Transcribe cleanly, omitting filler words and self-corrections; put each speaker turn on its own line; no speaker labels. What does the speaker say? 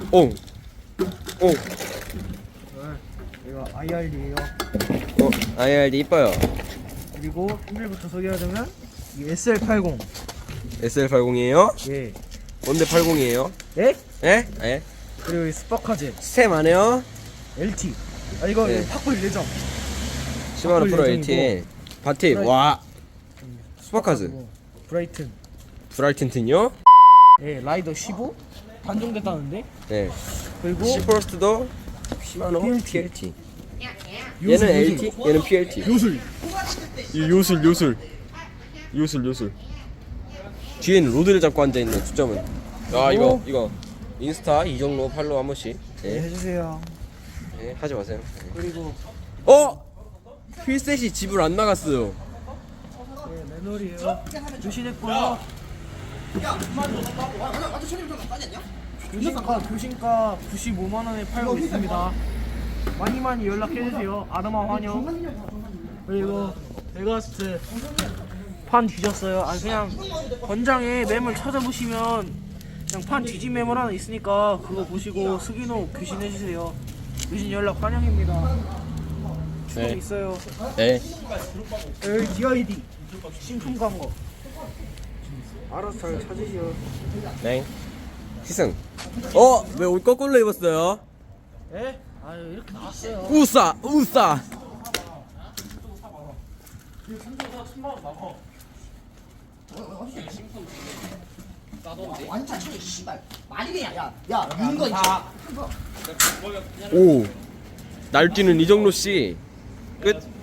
오.
이거 IRD예요.
IRD 이뻐요.
그리고 오늘부터 소개하자면 이 SL80.
SL80이에요?
예.
뭔데 80이에요?
예?
예? 예?
그리고 이 스파카제
스템 안 해요?
LT. 아 이거
네.
탁볼 예정.
시마노 프로
예정이고.
LT 바티.
프라이-
와. 스파카즈.
브라이튼.
브라이튼튼요?
예, 라이더 15 단종됐다는데.
네.
그리고
시퍼스트도 시마노
PLT.
PLT.
요술,
얘는
요술.
LT, 얘는 PLT.
요술.
요술. 뒤에는 로드를 잡고 앉아 있는 초점은. 아 이거 인스타 이정로 팔로우 한 번씩.
네,
네.
해주세요.
네, 하지 마세요. 네.
그리고
휠셋이 집을 안 나갔어요.
네, 맨홀이에요. 교신했고요. 교신가 95만 원에 팔고 있습니다. 많이 연락해주세요. 아르마 환영. 그리고 에거스트 판 뒤졌어요. 아 그냥 권장에 매물 찾아보시면 그냥 판 뒤진 매물 하나 있으니까 그거 보시고 스기노 교신해주세요. 교신 연락 환영입니다. 추억
네.
있어요.
네.
여기 DID 신품 광고. 알아서 잘 찾으시오.
네. 희승. 왜 옷 거꾸로 입었어요?
예? 아유 이렇게 나왔어요.
우싸.
완전 차이 씨발 말이 그냥 야 누는 거 있지.
오. 날뛰는 이정로 씨. 끝.